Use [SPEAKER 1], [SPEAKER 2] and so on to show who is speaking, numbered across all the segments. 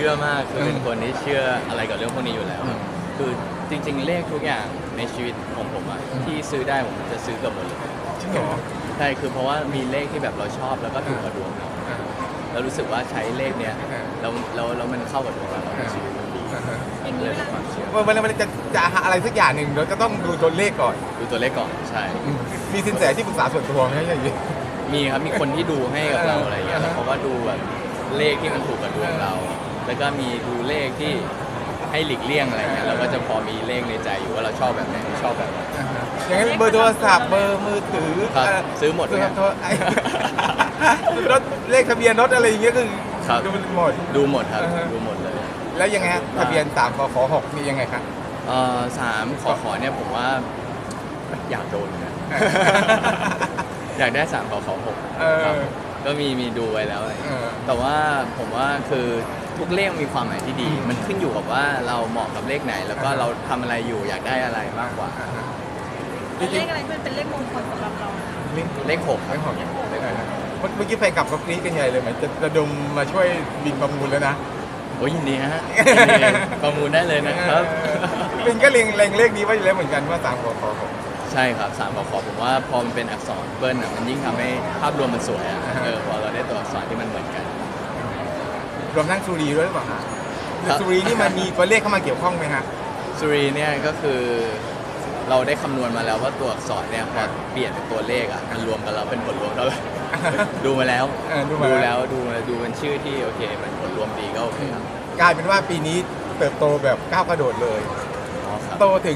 [SPEAKER 1] ชื่อมากคือเป็นคนที่เชื่ออะไรกับเรื่องพวกนี้อยู่แล้วคือจริงๆเลขทุกอย่างในชีวิตของผมอะที่ซื้อได้ผมจะซื้อเกือบหมดเลย
[SPEAKER 2] จริงเหรอ
[SPEAKER 1] ใช่คือเพราะว่ามีเลขที่แบบเราชอบแล้วก็ถูกกับดวงเราแล้วรู้สึกว่าใช้เลขเนี้ยแล้วมันเข้ากับดวงเราในชีวิตมันดีเลยเป็นความเชื่อ
[SPEAKER 2] เวลาจะหาอะไรสักอย่างหนึ่งเราก็ต้องดูตัวเลขก่อน
[SPEAKER 1] ดูตัวเลขก่อนใช่
[SPEAKER 2] มีสินแสที่ปรึกษาส่วนตัวไหมอย่างนี้
[SPEAKER 1] มีครับมีคนที่ดูให้กับเราอะไรเงี้ยแล้วเขาก็ดูแบบเลขที่มันถูกกับดวงเรา แล้วก็มีดูเลขที่ให้หลีกเลี่ยงอะไรเงี้ยเราก็จะพอมีเลขในใจอยู่ว่าเราชอบแบบไหนไม่ชอบแบบไหน
[SPEAKER 2] อย่างนั้นเบอร์โทรศัพท์เบอร์มือถือ
[SPEAKER 1] ครับซื้อหมดเลย
[SPEAKER 2] โทรรถเลขทะเบียนรถอะไรอย่างเงี้ยคือ
[SPEAKER 1] ครับ
[SPEAKER 2] ดูหมด
[SPEAKER 1] ดูหมดครับดูหมดเลย
[SPEAKER 2] แล้วยังไงฮะทะเบียน3ขอ6นี่ยังไงครับ
[SPEAKER 1] 3ขอเนี่ยผมว่าอยากโดนนะ อยากได้3ขอ6
[SPEAKER 2] เออ
[SPEAKER 1] ครับก็มีดูไว้แล้วอะไร
[SPEAKER 2] เออ
[SPEAKER 1] แต่ว่าผมว่าคือทุกเลขมีความหมายที่ดี มันขึ้นอยู่กับว่าเราเหมาะกับเลขไหน แล้วก็เราทำอะไรอยู่อยากได้อะไรมากกว่า
[SPEAKER 3] เป็นเลขอะไรที่มันเป็นเลขมงคลสำหรับเรา
[SPEAKER 1] เลข6ครับ
[SPEAKER 2] ไม่หอมเมื่อกี้แฟนกลับก็กรี๊ดกันใหญ่เลยเหมือนจะระดมมาช่วยบินประมูลแล้วนะ
[SPEAKER 1] โอ้ยยินดีฮะยินดีประมูลได้เลยนะครับ
[SPEAKER 2] บินก็เล็งเลขนี้ไว้อยู่แล้วเหมือนกันว่า3ขอ6
[SPEAKER 1] ใช่ครับ3ขอผมว่าพอมันเป็นอักษรเบิ้ลอ่ะมันยิ่งทำให้ภาพรวมมันสวยอ่ะพอเราได้ตัวอักษรที่มันเหมือนกัน
[SPEAKER 2] รวมทั้งสุรีด้วยหรือเปล่าฮะ
[SPEAKER 1] ครับ
[SPEAKER 2] สุรีนี่มันมีตัวเลขเข้ามาเกี่ยวข้องไหมฮะ
[SPEAKER 1] สุรีเนี่ยก็คือเราได้คำนวณมาแล้วว่าตัวอักษรเนี่ยพอเปลี่ยนเป็นตัวเลขอ่ะมันรวมกันแล้วเป็นผลรวมเท่าไหร่ ดูมาแล้ว
[SPEAKER 2] ดูมาแล้ว
[SPEAKER 1] ดูเป็นชื่อที่โอเคมันผลรวมดีก็โอเคครับ
[SPEAKER 2] กลายเป็นว่าปีนี้เติบโตแบบก้าวกระโดดเลย
[SPEAKER 1] อ๋อครับ
[SPEAKER 2] โตถึง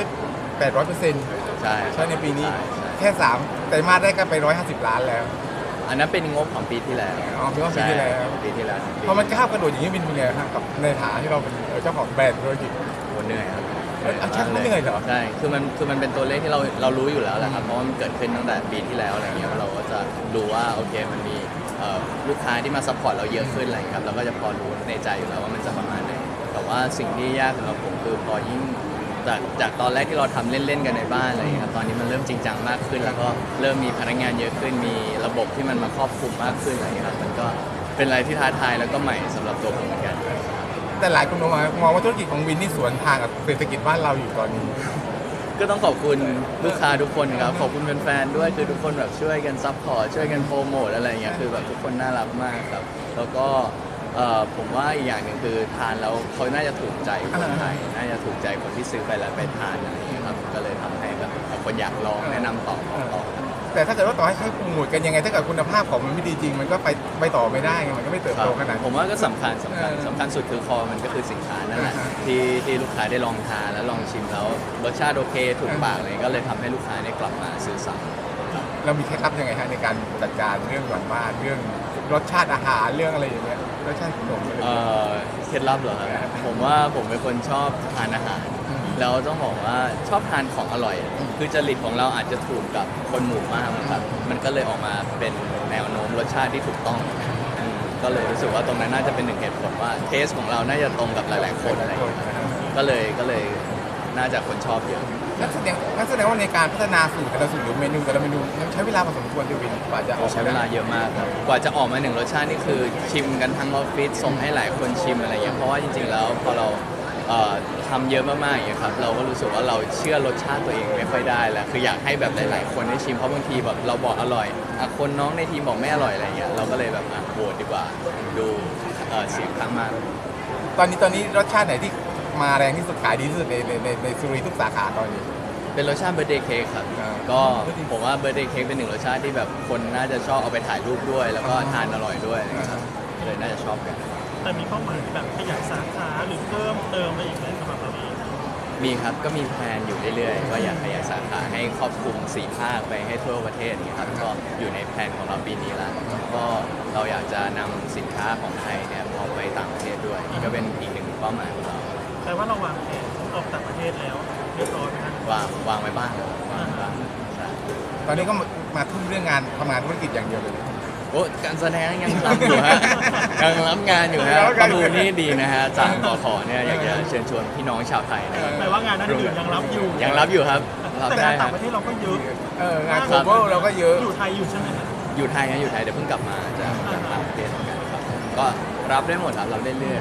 [SPEAKER 2] 800%
[SPEAKER 1] ใช่
[SPEAKER 2] ใช่ในปีนี้
[SPEAKER 1] ใช่
[SPEAKER 2] แค่3ไตรมาสได้ก็ไป150 ล้านแล้ว
[SPEAKER 1] อันนั้นเป็นงบของปีที่แล้ว
[SPEAKER 2] อ๋อเป็นงบปีที่แล้ว
[SPEAKER 1] ใช่ปีที่แล้ว
[SPEAKER 2] พอมันก้าวกระโดดอย่างนี้เป็นยังไงครับกับในฐานะที่เราเป็นเจ้าของแบรนด์ธุรกิจ
[SPEAKER 1] โหเหนื่อยครับ
[SPEAKER 2] เอาแค่นั้นเหนื่อยเหรอ
[SPEAKER 1] ใช่คือมันเป็นตัวเลขที่เรารู้อยู่แล้วแหละครับเพราะว่ามันเกิดขึ้นตั้งแต่ปีที่แล้วอะไรเงี้ยเราก็จะรู้ว่าโอเคมันมีลูกค้าที่มาซัพพอร์ตเราเยอะขึ้นอะไรครับเราก็จะพอรู้ในใจอยู่แล้วว่ามันจะประมาณไหนแต่ว่าสิ่งที่ยากสำหรับผมคือพอยิ่งจากตอนแรกที่เราทำเล่นๆกันในบ้านอะไรเงี้ยครับตอนนี้มันเริ่มจริงจังมากขึ้น แล้วก็เริ่มมีพนักงานเยอะขึ้นมีระบบที่มันมาครอบคลุมมากขึ้นอะไรเงี้ยครับมันก็เป็นอะไรที่ท้าทายแล้วก็ใหม่สำหรับตัวผมเหมือนกัน
[SPEAKER 2] แต่หลายคนมองว่าธุรกิจของวินนี่สวนทางกับเศรษฐกิจบ้านเราอยู่ตอนนี้
[SPEAKER 1] ก็ต้องขอบคุณลูกค้าทุกคนครับขอบคุณแฟนๆด้วยคือทุกคนแบบช่วยกันซัพพอร์ตช่วยกันโปรโมทอะไรอย่างเงี้ยคือแบบทุกคนน่ารักมากครับแล้วก็ผมว่าอีกอย่างหนึ่งคือทานแล้วเขาน่าจะถูกใจคนไทยน่าจะถูกใจคนที่ซื้อไปแล้วไปทานอะไรอย่างเงี้ยครับก็เลยทำให้แบบคนอยากลองแนะนำต่อครับ
[SPEAKER 2] แต่ถ้าเกิดว่าต่อให้โปรโมทกันยังไงถ้าเกิดคุณภาพของมันไม่ดีจริง มันก็ไปต่อไม่ได้ไงมันก็ไม่เติบโตขนาด
[SPEAKER 1] ผมว่าก็สำคัญสุดคือคอมันก็คือสินค้านั่นแหละที่ลูกค้าได้ลองทานแล้วลองชิมแล้วรสชาติโอเคถูกปากเลยก็เลยทำให้ลูกค้าได้กลับมาซื้อซ้ำ
[SPEAKER 2] เรามีเคล็ดลับยังไงฮะในการจัดการเรื่องหวานบ้านเรื่องรสชาติอาหารเรื่องอะไรอย่างเงี้ยรสชาติขนมอะไรอย่างเงี้ย
[SPEAKER 1] เคล็ดลับเหรอครับผมว่าผมเป็นคนชอบทานอาหาร แล้วต้องบอกว่าชอบทานของอร่อย คือจริตของเราอาจจะถูกกับคนหมู่มากครับมันก็เลยออกมาเป็นแนวโน้มรสชาติที่ถูกต้องก็เลยรู้สึกว่าตรงนั้นน่าจะเป็นหนึ่งเหตุผลว่าเทสของเราน่าจะตรงกับหลายๆคนอะไรอย่างเงี้ยก็เลยน่าจะคนชอบเยอะ
[SPEAKER 2] นั่นแสดงว่าในการพัฒนาสูตรแต่ละสูตรหรือเมนูแต่ละเมนูใช้เวลาพอสมควรที่วินกว่าจะออก
[SPEAKER 1] ใช้เวลาเยอะมากครับกว่าจะออกมาหนึ่งรสชาตินี่คือชิมกันทั้งออฟฟิศส่งให้หลายคนชิมอะไรอย่างเงี้ยเพราะว่าจริงๆแล้วพอเราทำเยอะมากๆอย่างเงี้ยครับเราก็รู้สึกว่าเราเชื่อรสชาติตัวเองไม่ค่อยได้แล้วคืออยากให้แบบหลายๆคนได้ชิมเพราะบางทีแบบเราบอกอร่อยคนน้องในทีมบอกไม่อร่อยอะไรเงี้ยเราก็เลยแบบโหวตดีกว่าดูเสียงข้างมาก
[SPEAKER 2] ตอนนี้รสชาติไหนที่มาแรงที่สุดขายดีที่สุดในสุรีทุกสาขาตอนนี้
[SPEAKER 1] เป็นรสชาติเบอร์เดย์เค้กครับ ก็ผมว่าเบอร์เดย์เค้กเป็นหนึ่งรสชาติที่แบบคนน่าจะชอบเอาไปถ่ายรูปด้วย แล้วก็ทานอร่อยด้วยนะครับเลยน่าจะชอบกัน
[SPEAKER 4] แต่มีเป้าหมายที่แบบขยายสาขาหรือเพิ่มเติมอะไรอีกไหมสำหรับเราเอง
[SPEAKER 1] มีครับก็มีแพลนอยู่เรื่อยๆว่าอยากขยายสาขาให้ครอบคลุม4 ภาคไปให้ทั่วประเทศนี่ครับก็อยู่ในแพลนของเราปีนี้แล้วก็เราอยากจะนำสินค้าของไทยเนี่ยออกไปต่างประเทศด้วยนี่ก็เป็นอีกหนึ่งเป้าหมายของเรา
[SPEAKER 4] แต่ว่าเราวางแผนออกต่างประเทศแล้วเรียบร้อยไหมครับ
[SPEAKER 1] วางไว้บ้างครับวางไว้บ้างใช่
[SPEAKER 2] ตอนนี้ก็มาทุ่มเรื่องงานทำงานธุรกิจอย่างเดียวเลย
[SPEAKER 1] โอ้การแสดงยังรับอยู่ฮะ ยังรับงานอยู่ฮะประมูลนี่ดีนะฮะจากขอเนี่ยอยากจะเชิญชวนพี่น้องชาวไทยนะครับ
[SPEAKER 4] แปลว่างานนั้นอื่นยังรับอยู่
[SPEAKER 1] ยังรับอยู่ครับรับ
[SPEAKER 4] แต่
[SPEAKER 1] ได้
[SPEAKER 4] งาน
[SPEAKER 1] ค
[SPEAKER 4] ต่า
[SPEAKER 1] รับ
[SPEAKER 4] งประเทศเราก็เยอะ
[SPEAKER 2] งานโคเวอร์เราก็เยอะ
[SPEAKER 4] อยู่ไทยอยู่ใช่ไหมครับ
[SPEAKER 1] อยู่ไทยเดี๋ยวเพิ่งกลับมาจากต่างประเทศเหมือนกันครับก็รับได้หมดครับรับเรื่อยๆ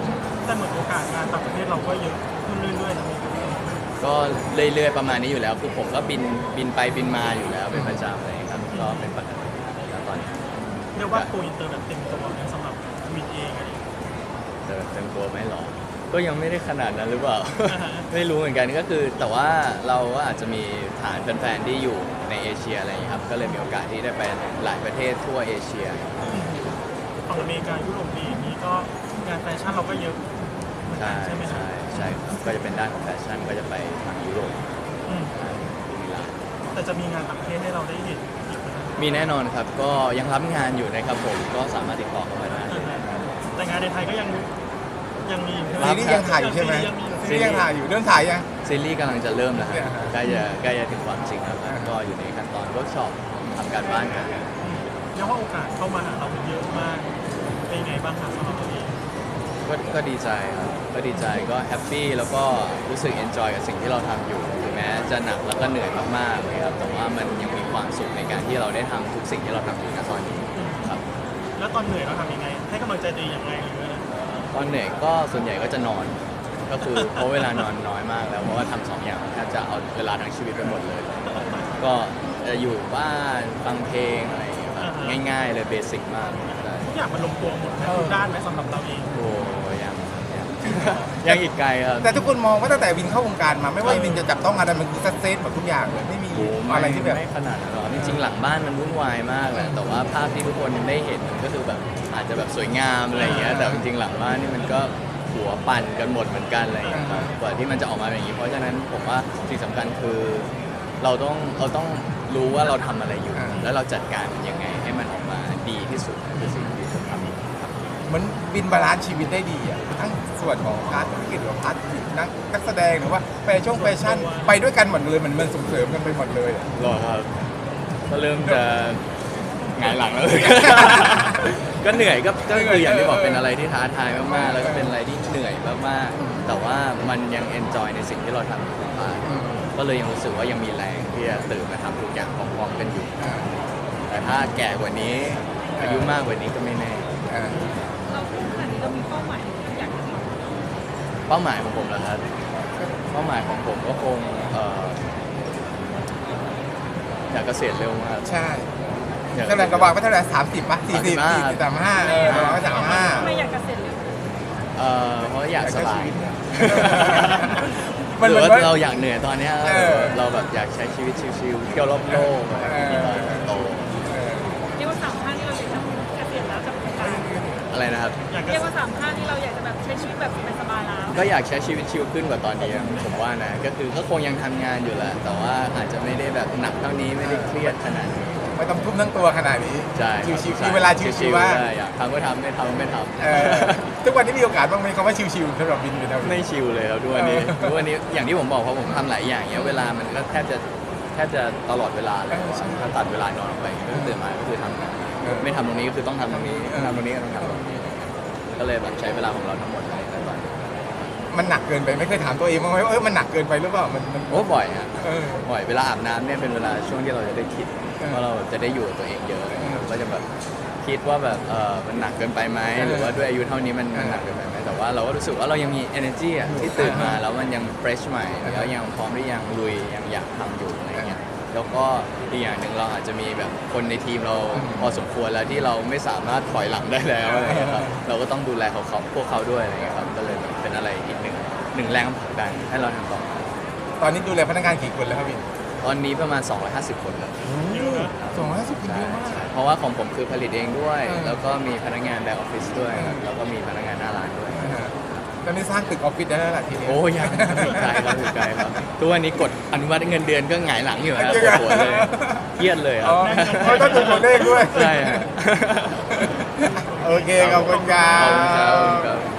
[SPEAKER 4] แต่เหมือนโอกาสงานต่างประเทศเราก็เยอะขึ้นเรื่อยๆนะพี่
[SPEAKER 1] ก็เรื่อยๆประมาณนี้อยู่แล้วคือผมก็บินไปบินมาอยู่แล้วเป็นประจำอะไรอย่างเลยครับก็เป็นปกติแล้วตอนนี้
[SPEAKER 4] เรียกว่าโกอินเตอร์แบบเต็มตัวเนี่ยสำหรับวินเองอะไรอย่างเงี้ย
[SPEAKER 1] แต่เต็มตัวไหมหรอก็ยังไม่ได้ขนาดนั้นหรือเปล่า ไม่รู้เหมือนกันก็คือแต่ว่าเราก็อาจจะมีฐานแฟนๆที่อยู่ในเอเชียอะไรอย่างนี้ยครับก็เลยมีโอกาสที่ได้ไปหลายประเทศทั่วเอเชีย
[SPEAKER 4] ฝั่งอเมริกายุโรปดีอย่างนี้ก็งานแฟชั่นเราก็เยอะเหมือนกั
[SPEAKER 1] ใช่
[SPEAKER 4] นใช่ไหมครับ
[SPEAKER 1] ใช่ครับก็จะเป็นด้านของแฟชั่นก็จะไปทางยุโรป
[SPEAKER 4] อืม
[SPEAKER 1] มิลาน
[SPEAKER 4] แต่จะมีงานต่างประเทศให้เราได้เห็นอีกไหมครับ
[SPEAKER 1] มีแน่นอนครับก็ยังรับงานอยู่นะครับผมก็สามารถติดต่อเข้ามาได้
[SPEAKER 4] แต่งานในไทยก็ยังมี
[SPEAKER 2] ซีรีส์ยังถ่ายอยู่ใช่ไหม
[SPEAKER 4] ยังมี
[SPEAKER 2] ซีรีส์ยังถ่ายอยู่เรื่องถ่ายยัง
[SPEAKER 1] ซีรีส์กำลังจะเริ่มแล้วครับ
[SPEAKER 2] เนี่ยฮะ
[SPEAKER 1] ใกล้จะถึงความจริงแล้วครับก็อยู่ในขั้นตอนเวิร์กช็อปทำการบ้านกัน
[SPEAKER 4] เรียกว่าโอกาสเข้ามาหาเราเยอะมากเป็นยังไงบ้างครับสำหรับตัวเอง
[SPEAKER 1] ก็ดีใจครับก็ดีใจก็แฮปปี้แล้วก็รู้สึกเอนจอยกับสิ่งที่เราทำอยู่ถึงแม้จะหนักแล้วก็เหนื่อยมากๆเลยครับแต่ว่ามันยังมีความสุขในการที่เราได้ทำทุกสิ่งที่เราทำอยู่ณตอนนี้ครับ
[SPEAKER 4] แล้วตอนเหนื่อยเราทำยังไง ให้กำลังใจตัวเองยังไงหรืออะไร
[SPEAKER 1] ตอนเหนื่อยก็ส่วนใหญ่ก็จะนอนก็คือเพราะเวลานอนน้อยมากแล้วเพราะว่าทำสองอย่างแทบจะเอาเวลาทั้งชีวิตไปหมดเลย ก็จะอยู่บ้านฟังเพลงอะไรอย่างเงี้ยครับง่ายๆเลยเบสิกมากใช่
[SPEAKER 4] ทุกอย่างมันลงตัวหมดนะทุกด้านไหมสำหรับเราเอง
[SPEAKER 1] โอ้ยัง ยังอีกไกลครับ
[SPEAKER 2] แต่ทุกคนมองว่าตั้งแต่วินเข้าวงการมาไม่ว่าวินจะจับต้องอะไรมันคือซักเซสหมดทุกอย่างเลยไม่มี
[SPEAKER 1] โอ้
[SPEAKER 2] อะไรที่แบบ
[SPEAKER 1] ไม่ขนาดนั้นหรอกจริงๆหลังบ้านมันวุ่นวายมากแหละแต่ว่าภาพที่ทุกคนได้เห็นก็คือแบบอาจจะแบบสวยงามอะไรอย่างเงี้ยแต่จริงๆหลังบ้านนี่มันก็หัวปั่นกันหมดเหมือนกันอะไรอย่างเงี้ยครับกว่าที่มันจะออกมาเป็นอย่างนี้เพราะฉะนั้นผมว่าสิ่งสำคัญคือเราต้องรู้ว่าเราทำอะไรอยู่ แล้วเราจัดการมันยังไงให้มันออกมาดีที่สุดคือสิ่งที่ผมทำ
[SPEAKER 2] เหมือนวินบาลานซ์ชีวิตได้ดีอ่ะทั้งส่วนของพาร์ทธุรกิจหรือพาร์ทนักแสดงหรือว่าแฟชั่นไปด้วยกันหมดเลยมันส่งเสริมกันไปหมดเลยอะ
[SPEAKER 1] หรอครับก็เริ่มจะหงายหลังแล้ว ก็เหนื่อยก็คืออย่างที่บอกเป็นอะไรที่ท้าทายมากๆ แล้วก็เป็นอะไรที่เหนื่อยมากๆ แต่ว่ามันยังเอนจอยในสิ่งที่เราทำอยู่มากก็เลยยังรู้สึกว่ายังมีแรงที่จะตื่นมาทำทุกอย่างพร้อมๆกันอยู่ แต่ถ้าแก่กว่านี้อายุมากกว่านี้ก็ไม่แน่
[SPEAKER 3] เราพูดขนาดนี้เรามีเป้าหมายที่อยากจะทำ
[SPEAKER 1] เป้าหมายของผมเหรอครับเป้าหมายของผมก็คงอยากเกษียณเร็วมาก
[SPEAKER 2] ใช่
[SPEAKER 1] อยาก
[SPEAKER 2] เท่าไหร่ระหว่างว่าเท่าไหร่30ป่ะ40 40 35ระหว่างว่า35
[SPEAKER 3] ไม่อยากเกษียณเร็ว
[SPEAKER 1] เพราะอยากสบาย
[SPEAKER 2] มัน
[SPEAKER 1] ห
[SPEAKER 2] เห
[SPEAKER 1] รือ
[SPEAKER 2] มือน
[SPEAKER 1] ว่า
[SPEAKER 2] ว่า
[SPEAKER 1] เราอยากเหนื่อยตอนเนี้ย เราแบบอยากใช้ชีวิตชิลๆเที่ยวรอบโลกอะไรอย่างเงี้ยโต
[SPEAKER 3] เรียกว่าสามข้างที่เราอยากจะเกษียณแล้วกับการ
[SPEAKER 1] อะไรนะครับ
[SPEAKER 4] อยากจะ
[SPEAKER 3] เรียกว่าสามข้างที่เราอยากจะแบบใช้ชีวิตแบบสบายๆแล้ว
[SPEAKER 1] ก็อยากใช้ชีวิตชิลขึ้นกว่าตอนนี้ผมว่านะก็คือก็คงยังทำงานอยู่แหละแต่ว่าอาจจะไม่ได้แบบหนักเท่านี้ไม่ได้เครียดขนาดนี้
[SPEAKER 2] ไม่ต้องทุ่มทั้งตัวขนาดนี้
[SPEAKER 1] ใช่
[SPEAKER 2] ชิวๆมีเวลาชิวๆว่าง
[SPEAKER 1] ใช่อยากทำก็ทำไม่ทำก็ไม่ท
[SPEAKER 2] ทุกวันนี้มีโอกาสบ้างไหมคำว่าชิวๆสำหรับวินเป็นเอา
[SPEAKER 1] ำไม่ชิลเลยครับทุกวันนี้ทุกวันนี้อย่างที่ผมบอกเพราะผมทำหลายอย่างเนี้ยเวลามันก็แทบจะตลอดเวลาเลยถ้าตัดเวลานอนออกไปก็ตื่นมาก็คือทำงานไม่ทำตรงนี้ก็คือต้องทำตรงนี้ทำตรงนี้ก็ต้องทำตรงนี้ก็เลยแบบใช้เวลาของเราทั้งหมดเลยในตอนนี้
[SPEAKER 2] มันหนักเกินไปไม่เคยถามตัวเองบ้างไหมว่ามันหนักเกินไปหรือเปล่ามัน
[SPEAKER 1] โอ้บ่อยฮะ
[SPEAKER 2] เออ
[SPEAKER 1] บ่อยเวลาอาบน้ำเนี่ยเป็นเวลาช่วงที่เราจะได้คิด
[SPEAKER 2] เออ
[SPEAKER 1] ว่าเราจะได้อยู่กับตัวเองเยอะก็จะแบบคิดว่าแบบมันหนักเกินไปไหมหรือว่าด้วยอายุเท่านี้มันหนักเกินไปไหมแต่ว่าเราก็รู้สึกว่าเรายังมี energy อ่ะที่ตื่นมาแล้วมันยัง fresh ใหม่แล้วยังพร้อมที่ยังลุยยังอยากทำอยู่อะไรเงี้ยแล้วก็อีกอย่างหนึ่งเราอาจจะมีแบบคนในทีมเราพอสมควรแล้วที่เราไม่สามารถถอยหลังได้แล้วอะไรเงี้ยครับเราก็ต้องดูแลพวกเขาด้วยอะไรเงี้ยครับก็เลยแบบเป็นอะไรอีกหนึ่งแรงผลักดันให้เราทำต่อ
[SPEAKER 2] ตอนนี้ดูแลพนักงานกี่คนแล้วครับวิน
[SPEAKER 1] ตอนนี้ประมาณ 250 คนแล้ว
[SPEAKER 2] 250คนเยอะมาก
[SPEAKER 1] ใช่เพราะว่าของผมคือผลิตเองด้วย
[SPEAKER 2] เออ
[SPEAKER 1] แล้วก็มีพนักงานแบ็คออฟฟิศด้วยครับแล้วก็มีพนักงานหน้าร้านด้วย
[SPEAKER 2] ตอนนี้สร้างตึกออฟฟิศได้แล้วล่ะทีนี้
[SPEAKER 1] โอ้ยังอีกไกลครับอีกไกลครับทุกวันนี้กดอนุมัติเงินเดือนก็หงายหลังอยู่ครับ
[SPEAKER 2] จริงเหรอ
[SPEAKER 1] ปวดเลยเครียดเลยครั
[SPEAKER 2] อ๋
[SPEAKER 1] บ
[SPEAKER 2] อเขาต้องดูตัวเลขด้วย
[SPEAKER 1] ใช่ฮะ
[SPEAKER 2] โอเคขอบคุณครั
[SPEAKER 1] ขอบคุณครับขอบคุณ
[SPEAKER 2] บ
[SPEAKER 1] ครับ